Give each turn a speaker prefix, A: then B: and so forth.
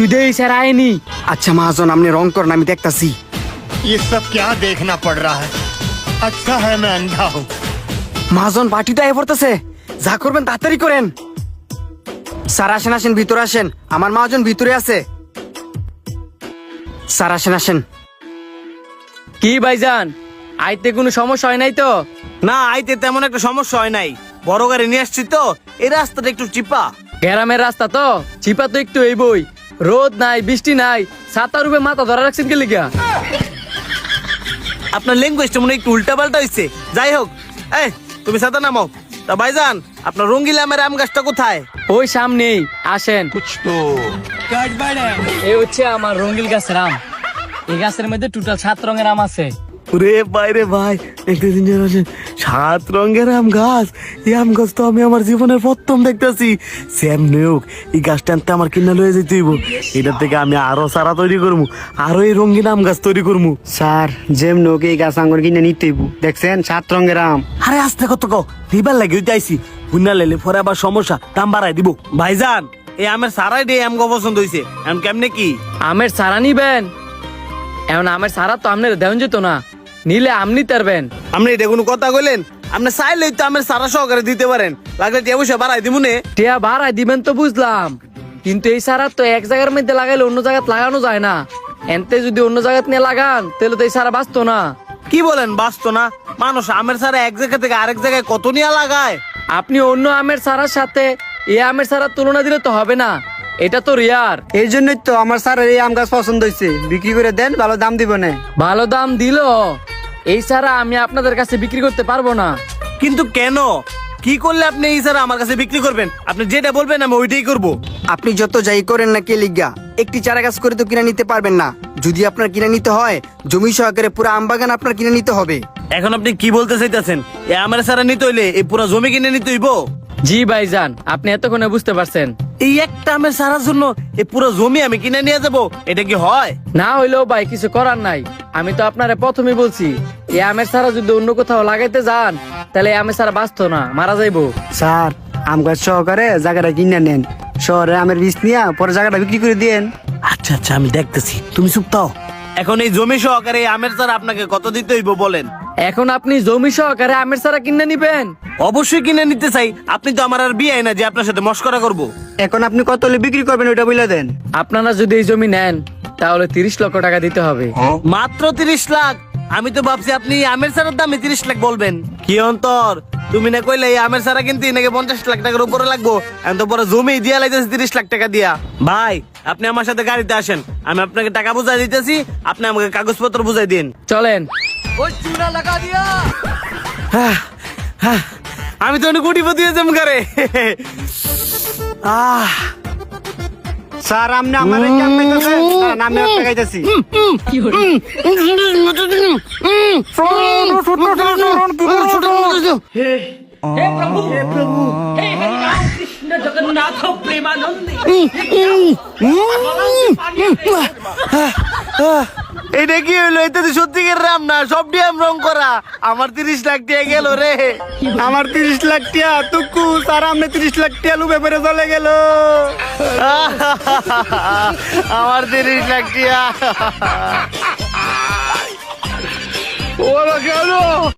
A: দেই স্যার আইনি।
B: আচ্ছা মহাজন আপনি রং করেন, আমি দেখতাছি।
C: ये सब क्या देखना पड़ रहा है? अच्छा है मैं अंधा हूँ।
B: মহাজন পার্টিটা এ পড়তেছে, যা করবেন তাড়াতাড়ি করেন। স্যার আসেন আসেন, ভিতরে আসেন, আমার মহাজন ভিতরে আছে। স্যার আসেন আসেন।
A: কি ভাইজান, আইতে কোনো সমস্যা হয় নাই তো?
D: না, আইতে তেমন একটা সমস্যা হয় নাই। বড় গাড়ি নিয়ে আসছি তো, এই রাস্তাটা একটু চিপা।
A: গ্রামের রাস্তা তো চিপা তো একটু এই বই, রোদ নাই বৃষ্টি নাই, ছাতার উপরে মাথা ধরা রাখছেন কে লিগা?
D: আপনার ল্যাঙ্গুয়েজটা মনে হয় একটু উল্টা পাল্টা হয়েছে। যাই হোক, এই তুমি সাথে নামাও। তা ভাইজান, আপনার রঙ্গিলা আমের আম গাছটা কোথায়?
A: ওই সামনেই, আসেন। এই হচ্ছে আমার রঙ্গিল গাছের আম। এই গাছের মধ্যে টোটাল 7 রঙের আম আছে।
D: রে ভাই রে ভাই, একটা জিনিস আছে, 7 রঙের আম গাছ। এই আম গাছ তো আমি আমার জীবনের প্রথম দেখতেছি। স্যাম নেউক, এই গাছটা আনতে আমার কিনা লয়ে যেতে হইব। এটার থেকে আমি আরো চারা তৈরি করবো, আরো এই রঙিন আম গাছ তৈরি করবো।
B: স্যার যেম নোক এই গাছ আঙ্গুর কিনে নিতেই দেখছেন, 7 রঙের আম।
D: আরে আস্তে কত কও, দিবার লাগে ওইটা আইসি। বুনা লাইলে পরে আবার সমস্যা, দাম বাড়াই দিব। ভাইজান, এই আমের সারাই দিয়ে আম পছন্দ হয়েছে, এখন কেমনে কি?
A: আমের সারা নিবেন? এখন আমের সারা তো আপনার দেওয়া যেত না, নিলে আম নিতে পারবেন।
D: আপনি এটা কোনো কথা কইলেন? আপনি চাইলেই তো আমের সারা সহকারে দিতে পারেন, লাগলে টিয়া পয়সা বাড়াই দিব নে।
A: টিয়া ভাড়ায় দিবেন তো বুঝলাম, কিন্তু এই সারা তো এক জায়গার মধ্যে লাগাইলে অন্য জায়গায় লাগানো যায় না। এনতে যদি অন্য জায়গায় নিয়ে লাগান তাহলে তো এই সারা বাঁচতো না।
D: কি বলেন বাঁচতো না? মানুষ আমের সারা এক জায়গা থেকে আরেক জায়গায় কত নিয়ে লাগায়।
A: আপনি অন্য আমের সারার সাথে এই আমের সারার তুলনা দিলে তো হবে না, এটা তো রিয়ার।
B: এই জন্যই তো আমার স্যারের এই আম গাছ পছন্দ হয়েছে। বিক্রি করে দেন, ভালো দাম দিব না।
A: ভালো দাম দিল এই সারা আমি আপনাদের কাছে বিক্রি করতে পারবো না।
D: কিন্তু কেন? কি করলে আপনি এই সারা আমার কাছে বিক্রি করবেন? আপনি যেটা বলবেন আমি ওইটাই করব।
B: আপনি যত যাই করেন না কে লিগা, একটি চারা গাছ করে তো কিনে নিতে পারবেন না। যদি আপনার কিনে নিতে হয়, জমি সহকারে পুরো আম বাগান আপনার কিনে নিতে হবে।
D: এখন আপনি কি বলতে চাইতেছেন? এই আমের সারা নিতে হইলে এই পুরো জমি কিনে নিতে হইব?
A: জি ভাইজান, আপনি এতক্ষণে বুঝতে পারছেন।
D: এই একটা আমের সারার জন্য এই পুরো জমি আমি কিনে নিয়ে যাব? এটা কি হয়?
A: না হইলেও ভাই কিছু করার নাই। আমি তো আপনারে প্রথমেই বলছি, এই আমের সারা যদি অন্য কোথাও লাগাইতে যান তাহলে এই আমের সারা বাঁচতো না, মারা যাইবো।
B: স্যার আম গাছ সহকারে জায়গাটা কিনে নেন, শহরে আমের বীজ নিয়ে পরে জায়গাটা বিক্রি করে দিয়েন।
D: আচ্ছা আচ্ছা, আমি দেখতেছি, তুমি চুপ থাও। এখন এই জমি সহকারে এই আমের চারা আপনাকে কত দিতে হইব বলেন?
A: এখন আপনি জমি সহকারে আমের সারা কিনে নিবেন?
D: অবশ্যই কিনে নিতে চাই। আপনি তো আমার আর বিয়ে না যে আপনার সাথে মস্করা করব।
B: এখন আপনি কত হলে বিক্রি করবেন ওইটা বলে দেন।
A: আপনারা যদি এই জমি নেন তাহলে 30 লক্ষ টাকা দিতে হবে।
D: মাত্র 30 লাখ? আমি তো ভাবছি আপনি এই আমের সারার দামে 30 লাখ বলবেন। কি অন্তর, তুমি না কইলে এই আমের সারা কিনতে নাকি 50 লাখ টাকার উপরে লাগবো, এখন তো পরে জমি দিয়া লাইতেছে 30 লাখ টাকা দিয়া। ভাই আপনি আমার সাথে গাড়িতে আসেন, আমি আপনাকে টাকা বুঝাই দিতেছি, আপনি আমাকে কাগজপত্র বুঝাই দিন।
A: চলেন।
D: আমি তো অনেক কোটিপতি হয়ে যাম করে।
B: স্যার আপনি আমার এই কাম পাইতেছেন, স্যার আমি আপনাকে গাইতেছি।
D: এটা কি হইলো? এটা তো সত্যিকার রাম না, সব ডিএম রং করা। আমার 30 লাখ টাকা গেল রে।
B: আমার 30 লাখ টাকা তুকু, স্যার আপনি 30 লাখ টাকা লুবে পেরে চলে গেল।
D: আমার 30 লাখ টাকা।
C: ওরা কেন?